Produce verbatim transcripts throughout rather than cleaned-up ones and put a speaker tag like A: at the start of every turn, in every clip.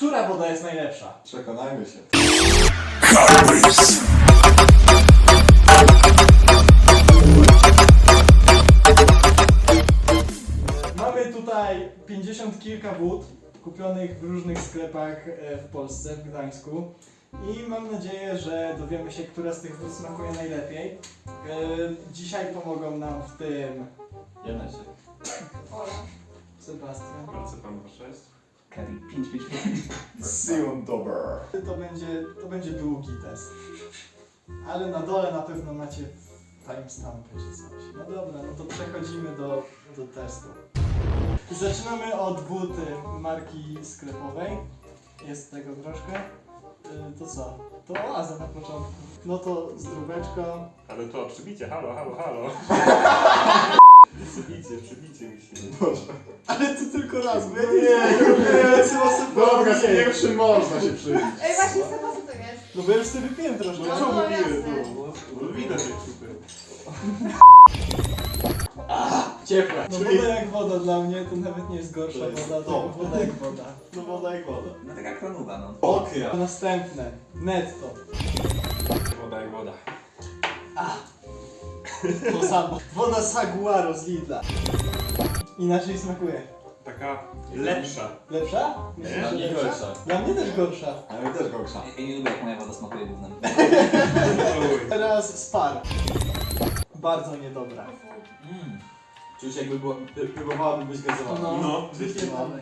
A: Która woda jest najlepsza?
B: Przekonajmy się.
A: Mamy tutaj pięćdziesiąt kilka wód kupionych w różnych sklepach e, w Polsce, w Gdańsku. I mam nadzieję, że dowiemy się, która z tych wód smakuje najlepiej. E, Dzisiaj pomogą nam w tym
B: Jedna się.
C: Ola.
A: Sebastian.
D: Bardzo pan proszę jest.
E: Kevin, pięć, pięć, pięć.
B: Sion Dober.
A: To będzie, to będzie długi test. Ale na dole na pewno macie timestampy czy coś. No dobra, no to przechodzimy do, do testu. Zaczynamy od wód y, marki sklepowej. Jest tego troszkę. Y, To co? To oaza na początku. No to zdróbeczko.
D: Ale to przybicie, halo, halo, halo. Przybicie, przybicie musimy.
B: Boże.
A: Ale to tylko raz, bo ja
B: No
A: nie
B: nie,
A: wiem. Ja sobie sobie
B: Dobra, z
A: nie.
B: pierwszym można się przybić.
C: Ej, właśnie z tego co to jest?
A: No bo ja już sobie wypiłem troszkę.
C: No,
A: Czemu
C: no,
A: wypiłem?
C: jasne.
D: No widać jak super.
A: Ciepła. No
B: Czyli-
A: woda jak woda dla mnie to nawet nie jest gorsza
B: To jest
A: woda, tylko
B: top.
A: woda jak woda.
B: No woda jak woda.
E: No taka kronuwa, no.
B: Okra.
A: Następne. Netto.
D: Woda jak woda.
A: To samo. Woda Saguaro z Lidla. Inaczej smakuje.
D: Taka lepsza.
A: Lepsza?
D: Nie,
A: Myślisz, że
B: nie
A: lepsza?
B: gorsza.
A: Dla mnie też gorsza.
B: Ale też gorsza.
E: Ja, ja nie lubię jak moja woda smakuje gównem.
D: Oj.
A: Teraz Spar. Bardzo niedobra.
E: Mm.
B: Czuć jakby było, próbowałaby być gazowana.
D: No,
A: wypierdolę.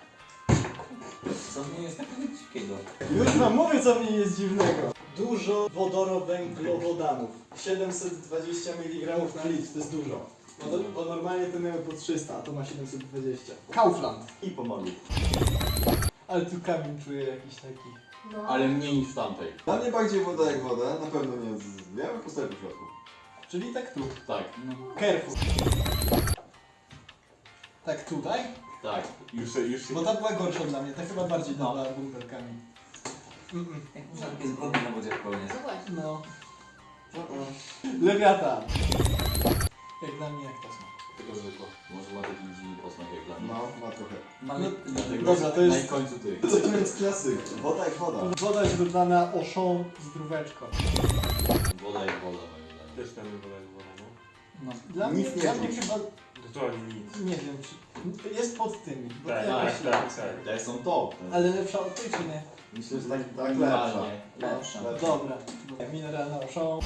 E: Co w niej jest takiego dziwkiego?
A: Już wam mówię, co w niej jest dziwnego. Dużo wodorowęglowodanów. siedemset dwadzieścia miligramów na litr, to jest dużo. Bo, bo normalnie to miały po trzysta, a to ma siedemset dwadzieścia. Kaufland.
B: I pomogli.
A: Ale tu kamień czuję jakiś taki.
C: No.
B: Ale mniej niż w tamtej. Dla mnie bardziej woda jak woda, na pewno nie z... Ja bym postawił w środku.
A: Czyli tak tu.
B: Tak,
E: No.
A: Carrefour. Tak tutaj?
B: tak.
D: już się, już się...
A: Bo ta była gorsza dla mnie, ta chyba bardziej dała bumperkami. Mm-mm.
E: Jak można takie zbrodnie na wodzie popełniać?
C: No właśnie.
A: No. Lewiata. Jak dla mnie jak to są.
F: Tylko zwykło. Może ma taki dziwny posmak jak dla mnie.
B: No, ma trochę.
E: Mamy...
F: Dlatego
A: Dobra, to jest-
F: na końcu ty.
B: Co to jest klasyk? Woda jak woda.
A: Woda źródlana Auchan z dróweczką.
F: Woda jak woda moim zdaniem.
D: Też tam jest woda jak woda, no.
E: No.
A: Dla
B: Nic
A: mnie,
B: nie
A: dla mnie
B: czuć.
A: chyba,
D: Totalnie nic.
A: nie wiem, czy jest pod tymi. Bo
D: Tak,
A: to
D: tak,
A: jakoś-
D: tak, tak.
B: Te są top.
A: Ale lepsza od tej czy nie?
B: Myślę, że tak, tak lepsza.
F: Minimalnie.
E: Lepsza.
A: Dobra. Mineralna Auchan.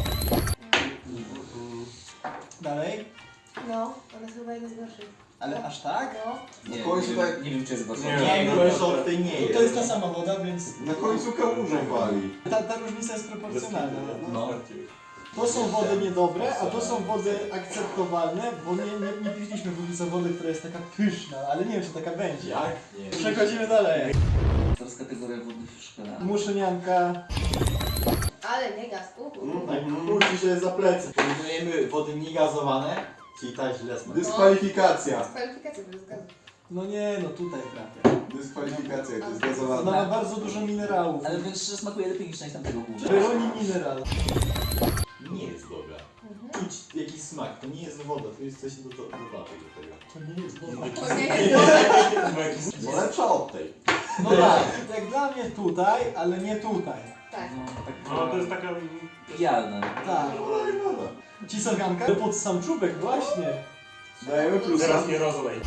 A: Dalej?
C: No, ona jest chyba jedna z gorszych.
A: Ale aż tak?
C: No.
E: Nie,
B: Na końcu
E: nie,
B: tak-
E: wiem, nie wiem czy jest gorsza.
D: Nie,
B: Nie,
D: no,
B: gorsza od tej nie
A: To jest ta sama woda, więc
B: Na końcu kałużą wali.
A: ta, ta różnica jest proporcjonalna.
E: No.
A: To są wody niedobre, a to są wody akceptowalne, bo nie, nie, nie piliśmy póki co wody, która jest taka pyszna, ale nie wiem, czy taka będzie.
B: Jak?
F: Nie.
A: Przechodzimy dalej.
E: Teraz kategoria wody w szkole.
A: Muszynianka.
C: Ale nie gaz. Uhu.
B: Tak, kłóci się za plecy.
F: Porównujemy wody niegazowane, czyli ta źle smakuje.
B: Dyskwalifikacja.
C: Kwalifikacja bez gazu.
A: No nie, no tutaj trafia.
B: Dyskwalifikacja, to jest
A: Ona
B: gazowana.
A: ma bardzo dużo minerałów.
E: Ale wiem, że smakuje lepiej niż część tamtego gówna.
A: Broni mineral.
F: Nie jest dobra.
C: Mhm.
F: Czuć jakiś smak, to nie jest woda, to jest coś do, do, dodatek do tego.
A: To nie jest woda.
C: To nie jest woda.
B: Bo lepsza od tej.
A: No tak, jak dla mnie tutaj, ale nie tutaj.
C: Tak.
E: No, tak
D: No to jest taka...
E: pijalne.
A: Tak.
B: Woda jak woda.
A: Cisowianka? Pod sam czubek, właśnie.
B: Dajemy plusa.
D: Teraz nie rozlej.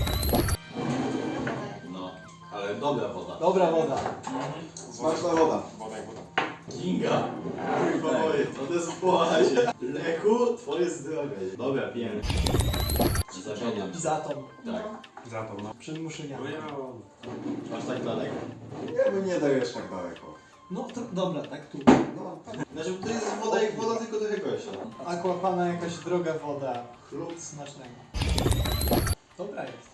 F: No, ale dobra woda.
A: Dobra woda.
B: Smaczna woda.
D: Woda jak woda.
F: Kinga.
B: Kurwa moje, co to jest płazie? Lechu, twoje zdrowie.
F: Dobra, pijemy. Zamieniam.
A: Zatom.
F: Tak.
D: Za to, no.
A: Przed muszynianką.
F: Masz tak daleko?
B: Ja bym nie dał jeszcze tak daleko.
A: No to, dobra, tak tu.
B: No,
F: Znaczy to jest woda jak woda, tylko trochę gorsza.
A: Aquapana jakaś droga woda. Chlub smacznego. Dobra jest.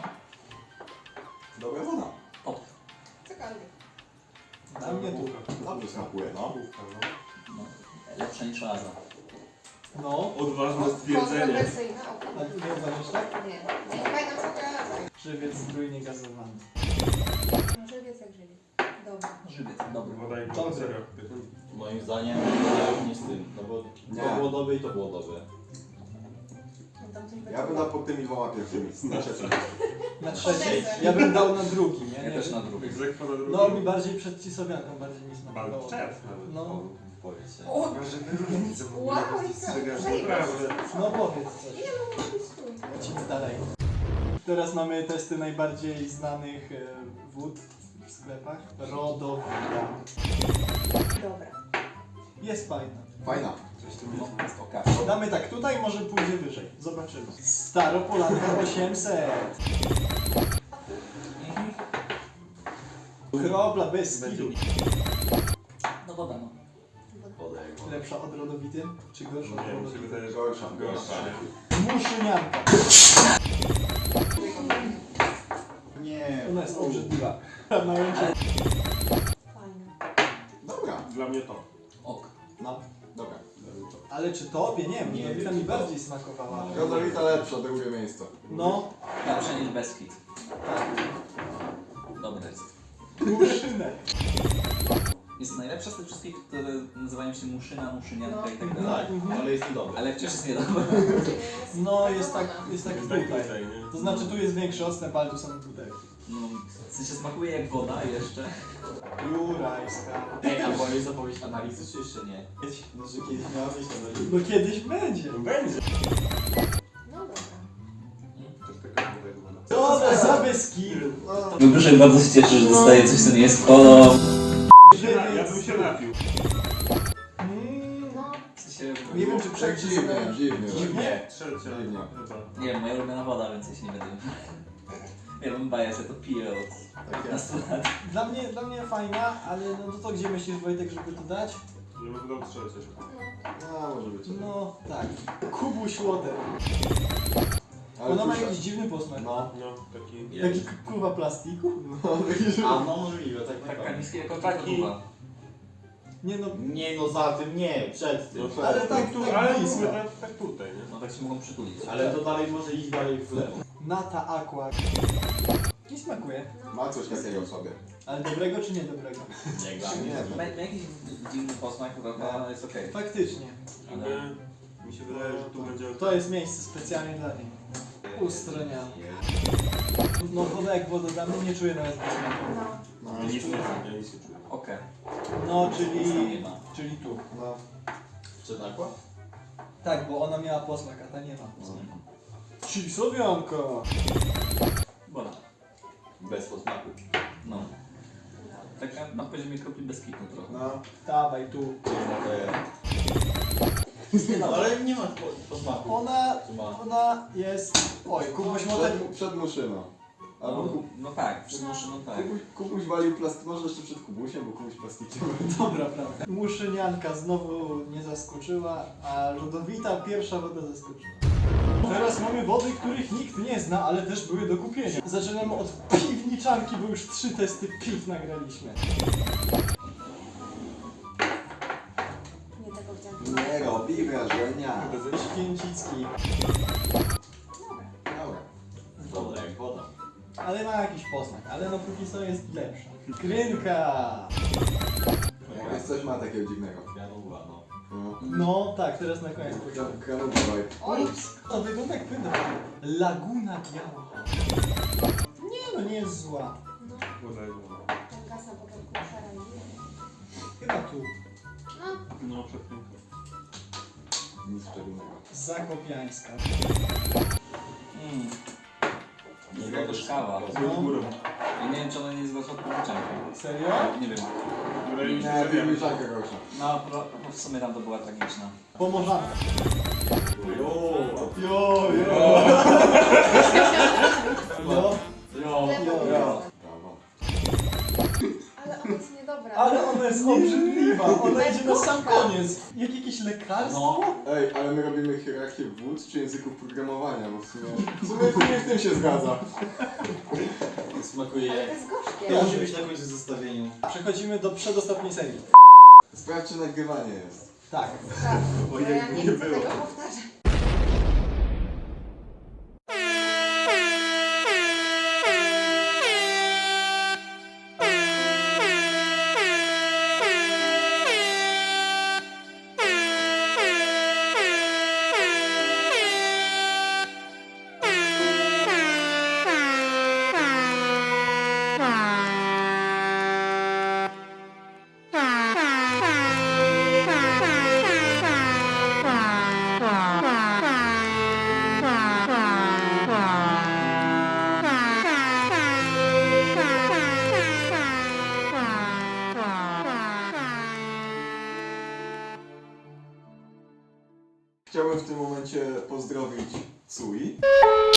B: dobra woda.
C: Cokolwiek.
A: Dla mnie tu.
B: Dobrze smakuje, no.
D: Główka, no.
E: No. Lepsza niż oaza.
A: No.
D: Odważne stwierdzenie.
C: Kontrowersyjna
A: A
C: opinia.
A: ty nie uważasz tak?
C: Nie. Nie pamiętam co to
A: Żywiec trójnie gazowany.
C: Może wiec jak żywi. Dobra.
E: Żywiec, dobry.
D: Woda jak
A: Dobry.
D: woda, serio.
F: Moim zdaniem woda już nie z tym, no bo
B: Nie.
F: to było dobre i to było dobre.
C: No tam coś będzie.
B: Ja bym dał pod tymi dwoma pierwszymi.
D: Na trzecie.
A: Na trzeciej. Ja bym dał na drugi, nie?
E: Ja
A: nie
E: też
A: wiem.
E: na drugiej.
D: Egzekwo na drugim.
A: No mi bardziej przed cisowianką, bardziej mi smakowało.
D: Bardzo czerw nawet.
A: No,
E: Powiedz się.
C: O,
D: Żeby różnice w ogóle
C: wow, i
D: dostrzegasz.
C: co?
D: Naprawdę.
A: no powiedz coś.
C: Nie no, mój stój.
A: Lecimy dalej. Teraz mamy testy najbardziej znanych e, wód w sklepach. Rodowida.
C: Dobra.
A: Jest fajna.
B: Fajna.
D: Coś tu
E: No,
D: jest.
E: jest okej.
A: Damy tak tutaj, może pójdzie wyżej. Zobaczymy. Staropolanka osiemset. Kropla bez skidu.
E: No woda no.
F: Woda jak woda.
A: Lepsza od rodowity? Czy gorsza od
D: Nie, mi się
A: rodowity?
D: wydaje, że
B: Gorsza.
D: gorsza.
A: Muszynianka.
F: Nie.
A: Ona jest obrzydliwa. Na łęcie.
C: Fajna.
B: Dobra.
D: Dla mnie to.
E: Ok.
B: No. Dobra.
A: Ale czy tobie? Nie,
F: Nie
A: rodowita
F: wiem,
A: mi
F: czy to-
A: bardziej smakowała.
B: Rodowita lepsza, drugie miejsce.
A: No,
E: Lepsze niż Beskid. Dobre jest.
A: muszynek.
E: Jest najlepsza z tych wszystkich, które nazywają się muszyna, muszynianka
C: No.
E: i tak
F: Tak,
E: dalej.
F: ale jest niedobry.
E: Ale wciąż jest niedobra.
A: No, jest tak, jest tak
D: Jest tak
A: tutaj.
D: tutaj, nie?
A: To znaczy tu jest większy odstęp, ale tu są butelki.
E: No, w sensie smakuje jak woda jeszcze.
A: Jurajska.
F: Ej, a była już zapowiedź analizy, czy jeszcze nie? No, że kiedyś miała być analiza.
A: No kiedyś będzie.
D: No będzie.
C: No dobra.
D: Coś takiego tutaj wygląda.
A: Co to za beskidu?
B: No.
E: Wybrzuszek bardzo się cieszy, że dostaje coś, co nie jest kolą.
D: Ja bym się napił.
A: Mm,
C: No.
E: W sensie,
A: Nie wiem, czy
B: Tak
A: przed
B: dziwnie, dziwnie.
A: Dziwnie?
D: Trzecia
B: Dziwnie.
D: chyba.
E: nie wiem, moja ulubiona woda, więc ja się nie będę... Ja bym baję, że to piję od
B: Tak
E: piętnastu lat.
A: Dla mnie, dla mnie fajna, ale no to, to gdzie myślisz, Wojtek, żeby to dać?
D: Ja bym dał trzecie.
B: No, może być.
A: No tak. Kubuś Water.
B: Ale
A: Ona ma
B: czuć-
A: jakiś dziwny posmak.
B: No.
D: No, taki...
A: Taki k- kurwa plastiku?
B: No, taki, że...
F: A no możliwe, tak
E: Taka
F: naprawdę.
E: niska jako
D: Taki-
E: kikuwa.
A: Nie no,
F: Nie no za tym nie, przed tym.
B: No,
A: ale
B: tak.
A: tak,
D: Tu,
A: tak
D: ale
A: blisko.
D: mówię, ale tak tutaj, nie?
E: No tak się mogą przytulić.
F: Ale to dalej może iść dalej w lewo.
A: Nata Aqua. Nie smakuje.
B: Ma coś takiego w sobie.
A: Ale dobrego czy niedobrego?
F: Nie dla
B: Nie
F: mnie.
B: wiem.
E: Ma, ma jakiś dziwny posmak, trochę, ale jest okej.
A: Faktycznie.
D: Jakby mi się wydaje, że tu będzie...
A: To jest miejsce specjalnie dla niej. Ustroniane. No woda jak woda, dla mnie nie czuję nawet posmaku.
C: No.
B: No,
D: Ja nic nie ja nic nie czuję.
E: Okej.
A: No,
E: Nic tam
A: czyli...
E: nie ma.
A: Czyli tu.
B: no.
F: Przed aqua?
A: Tak, bo ona miała posmak, a ta nie ma.
E: Mhm.
A: Cisowianka!
E: Woda.
F: Bez posmaku.
E: No. Taka na poziomie kropli bez kitu trochę.
B: No.
A: Dawaj tu.
F: No, ale nie ma po- posmaku.
A: Ona...
F: Czy ma?
A: Ona jest... Oj, Kubuś Water...
B: Przed, przed muszyną. Albo
E: No,
B: ku,
E: no tak, przed maszyną tak.
B: kubuś, kubuś walił plast... Może jeszcze przed kubusiem, bo kubuś plastikiem.
A: Dobra, prawda. Muszynianka znowu nie zaskoczyła, a lodowita pierwsza woda zaskoczyła. Teraz mamy wody, których nikt nie zna, ale też były do kupienia. Zaczynamy od piwniczanki, bo już trzy testy piw nagraliśmy.
C: Nie tego chciałam.
B: Nie robi wrażenia.
A: Święcicki,
B: Dobra.
F: Woda jak woda.
A: ale ma jakiś posmak, ale no póki co jest lepsza. Krynka!
B: Jest coś ma takiego dziwnego.
F: Granuła, no.
B: No.
A: No tak, teraz na koniec powiedziałem.
B: Kranu dawaj.
C: Oj,
A: To wygląda jak płynna. Laguna Biała. Nie no, nie jest zła.
C: no.
D: Woda jak woda.
C: Ten gaz na początku szara i
A: Chyba tu.
C: no.
D: No, przed piękną.
B: Nic szczególnego.
A: Zakopiańska.
E: Mm.
F: Nie
E: To też kawa.
A: No.
D: Z górą.
E: I nie wiem, czy ona nie jest gorsza od piwniczanki.
A: Serio?
E: Nie wiem.
D: Wydaje mi się,
B: Nie,
D: że wiem.
B: piwniczanka gorsza.
E: No, pro, no w sumie tam to była tragiczna.
A: Pomorzanka.
F: Jo.
A: Jo, jo. Jo.
F: Jo.
C: Lewo.
A: jo.
B: Brawo.
C: Ale ona jest niedobra.
A: Ale ona jest obrzydliwa. Ona idzie na sam koniec. Jak jakieś lekarstwo?
B: Ej, ale my robimy hierarchię wód czy języków programowania, bo w sumie... W sumie, w sumie w tym się zgadza.
F: Smakuje
C: Ale
F: jak...
C: to jest gorzkie.
F: To musi być na końcu zestawieniu.
A: Przechodzimy do przedostatniej serii.
B: Sprawdź, czy nagrywanie jest.
A: Tak.
C: Tak,
D: Bo
C: bo ja
D: jakby
C: nie
D: nie
C: chcę
D: było.
C: tego powtarzać.
B: Chciałbym w tym momencie pozdrowić Tsui.